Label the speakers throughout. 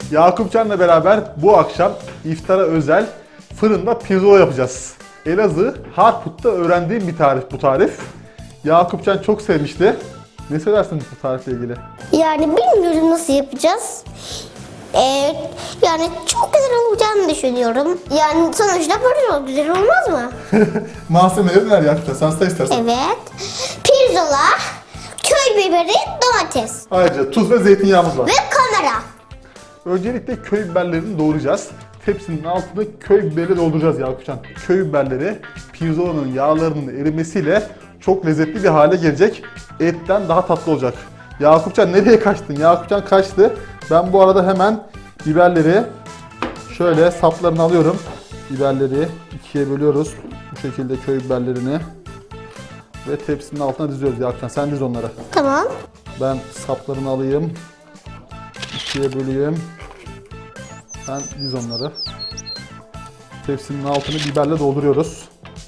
Speaker 1: Yakupcan'la beraber bu akşam iftara özel fırında pirzola yapacağız. Elazığ Harput'ta öğrendiğim bir tarif bu tarif. Yakupcan çok sevmişti. Ne söylersin bu tarifle ilgili?
Speaker 2: Yani bilmiyorum nasıl yapacağız. Yani çok güzel olacağını düşünüyorum. Yani sonuçta böyle güzel olmaz mı?
Speaker 1: Malzemeleri neler Yakupcan? Sen say istersen.
Speaker 2: Evet. Pirzola, köy biberi, domates
Speaker 1: Ayrıca tuz ve zeytinyağımız var.
Speaker 2: ve kamera.
Speaker 1: Öncelikle köy biberlerini doğrayacağız. Tepsinin altını köy biberi dolduracağız Yakupcan. Köy biberleri pirzolanın yağlarının erimesiyle çok lezzetli bir hale gelecek. Etten daha tatlı olacak. Yakupcan nereye kaçtın? Yakupcan kaçtı. Ben bu arada hemen biberleri şöyle saplarını alıyorum. Biberleri ikiye bölüyoruz. Bu şekilde köy biberlerini. Ve tepsinin altına diziyoruz Yakupcan. Sen diz onları.
Speaker 2: Tamam.
Speaker 1: Ben saplarını alayım. İkiye böleyim. Ben diz onları. Tepsinin altını biberle dolduruyoruz.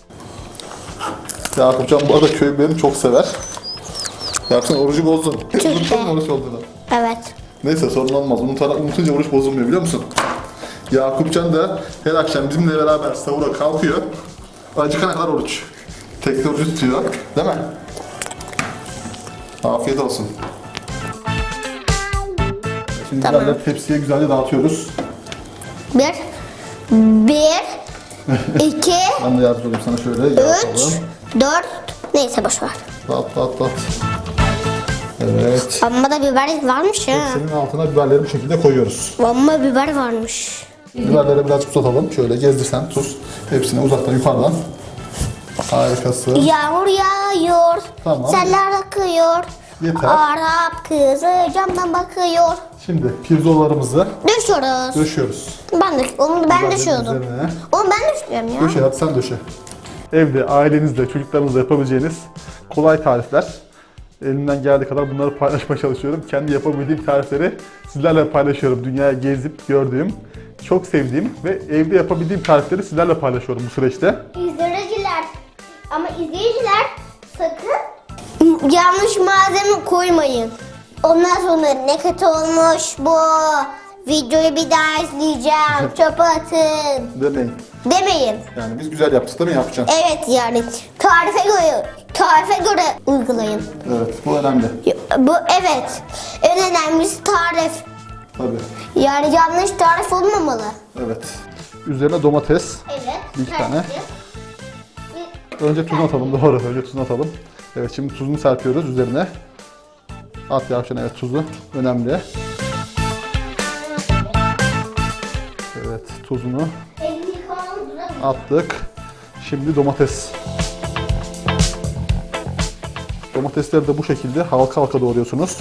Speaker 1: Yakupcan bu arada köy biberini çok sever. Yakupcan orucu bozdun. Unuttun mu oruç olduğunu?
Speaker 2: Evet.
Speaker 1: Neyse sorun olmaz. Unutunca oruç bozulmuyor biliyor musun? Yakupcan da her akşam bizimle beraber sahura kalkıyor. Acıkana kadar oruç. Tekli orucu tutuyor. Değil mi? Afiyet olsun. Şimdi
Speaker 2: Tamam.
Speaker 1: biberleri tepsiye güzelce dağıtıyoruz.
Speaker 2: Bir, iki,
Speaker 1: Ben de yardımcı olayım sana şöyle.
Speaker 2: üç,
Speaker 1: Yapalım.
Speaker 2: dört. Neyse boş ver.
Speaker 1: Dağıt. Evet.
Speaker 2: Amma da biber varmış ha.
Speaker 1: Tepsinin altına biberleri bu şekilde koyuyoruz.
Speaker 2: Amma biber varmış.
Speaker 1: Biberleri birazcık uzatalım. Şöyle gezdirsen tuz. Hepsini uzaktan yukarıdan. Harikası.
Speaker 2: Yağmur yağıyor.
Speaker 1: Tamam.
Speaker 2: Seller akıyor.
Speaker 1: Yeter.
Speaker 2: Arap kızı camdan bakıyor.
Speaker 1: Şimdi pirzolalarımızı
Speaker 2: Döşüyoruz.
Speaker 1: döşüyoruz.
Speaker 2: Onu ben
Speaker 1: Biberlerin
Speaker 2: döşüyordum.
Speaker 1: üzerine.
Speaker 2: Onu ben döşüyorum ya.
Speaker 1: Döşe hadi sen döşe. Evde ailenizle, çocuklarınızla yapabileceğiniz kolay tarifler. Elimden geldiği kadar bunları paylaşmaya çalışıyorum. Kendi yapabildiğim tarifleri sizlerle paylaşıyorum. Dünyaya gezip gördüğüm, çok sevdiğim ve evde yapabildiğim tarifleri sizlerle paylaşıyorum bu süreçte.
Speaker 2: İzleyiciler ama izleyiciler sakın yanlış malzeme koymayın. Ondan sonra ne kötü olmuş bu. Videoyu bir daha izleyeceğim. Çöpe atın.
Speaker 1: Demeyin.
Speaker 2: Demeyin.
Speaker 1: Yani biz güzel yaptık değil mi yapacaksın?
Speaker 2: Evet yani tarife göre uygulayın.
Speaker 1: Evet, bu önemli.
Speaker 2: Bu evet. En önemlisi tarif.
Speaker 1: Tabii.
Speaker 2: Yani yanlış tarif olmamalı.
Speaker 1: Evet. Üzerine domates.
Speaker 2: Evet.
Speaker 1: Bir tane. Önce tuzunu atalım, doğru. Önce tuzunu atalım. Evet, şimdi tuzunu serpiyoruz üzerine. At Yavşan, evet tuzu önemli. Evet, tuzunu attık. Şimdi domates. Domatesleri de bu şekilde halka halka doğruyorsunuz.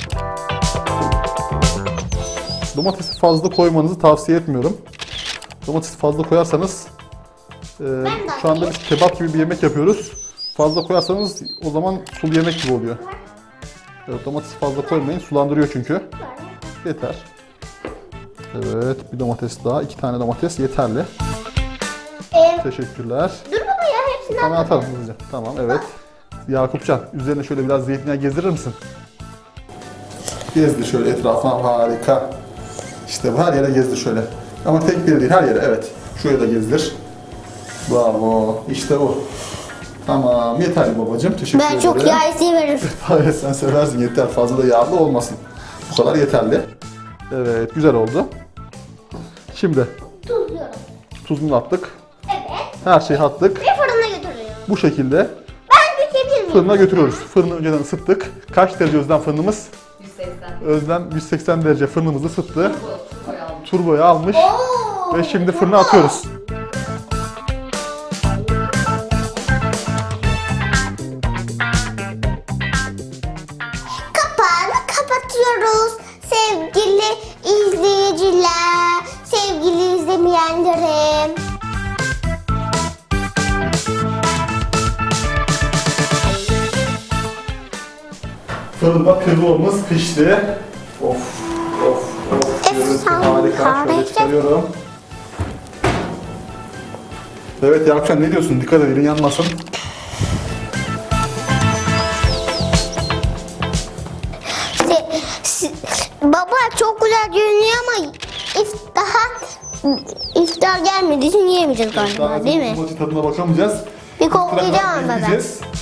Speaker 1: Domatesi fazla koymanızı tavsiye etmiyorum. Domatesi fazla koyarsanız şu anda biz kebap gibi bir yemek yapıyoruz. Fazla koyarsanız o zaman sulu yemek gibi oluyor. Evet, domatesi fazla koymayın. Sulandırıyor çünkü. Yeter. Evet, bir domates daha. 2 tane domates yeterli. Teşekkürler.
Speaker 2: Dur baba ya hepsini
Speaker 1: Tamam, atalım hızlıca. Tamam, evet. Yakupcan, üzerine şöyle biraz zeytinyağı gezdirir misin? Gezdir şöyle etrafına, harika. İşte bu, her yere gezdir şöyle. Ama tek bir değil, her yere, evet. Şuraya da gezdir. Bravo, işte bu. Tamam, yeterli babacığım. Teşekkür ederim.
Speaker 2: Ben çok yağ severim.
Speaker 1: Evet, sen seversin, yeter. Fazla da yağlı olmasın. Bu kadar yeterli. Evet, güzel oldu. Şimdi
Speaker 2: Tuzluyorum.
Speaker 1: tuzunu attık.
Speaker 2: Evet.
Speaker 1: Her şeyi attık.
Speaker 2: Ve fırına götürüyorum.
Speaker 1: Bu şekilde
Speaker 2: Ben dökebilir miyim?
Speaker 1: fırına götürüyoruz. Fırını önceden ısıttık. Kaç derece Özlem fırınımız?
Speaker 3: 180.
Speaker 1: Özlem 180 derece fırınımızı ısıttı.
Speaker 3: Turboyu almış.
Speaker 1: Turboyu almış.
Speaker 2: Oo,
Speaker 1: Ve şimdi fırına atıyoruz.
Speaker 2: Kapağını kapatıyoruz. Sevgili izleyiciler, sevgili izlemeyenlerim.
Speaker 1: Fırında pirzolamız pişti. Of. Görüntü harika. Şöyle çıkarıyorum. Evet Yakupcan, ne diyorsun? Dikkat et, elin yanmasın.
Speaker 2: Baba çok güzel görünüyor ama iftar gelmediği için yiyemeyeceğiz galiba, değil mi?
Speaker 1: Maçı tadına bakamayacağız.
Speaker 2: Bir koklayacağım
Speaker 1: Beraber
Speaker 2: ama ben.
Speaker 1: izleyeceğiz.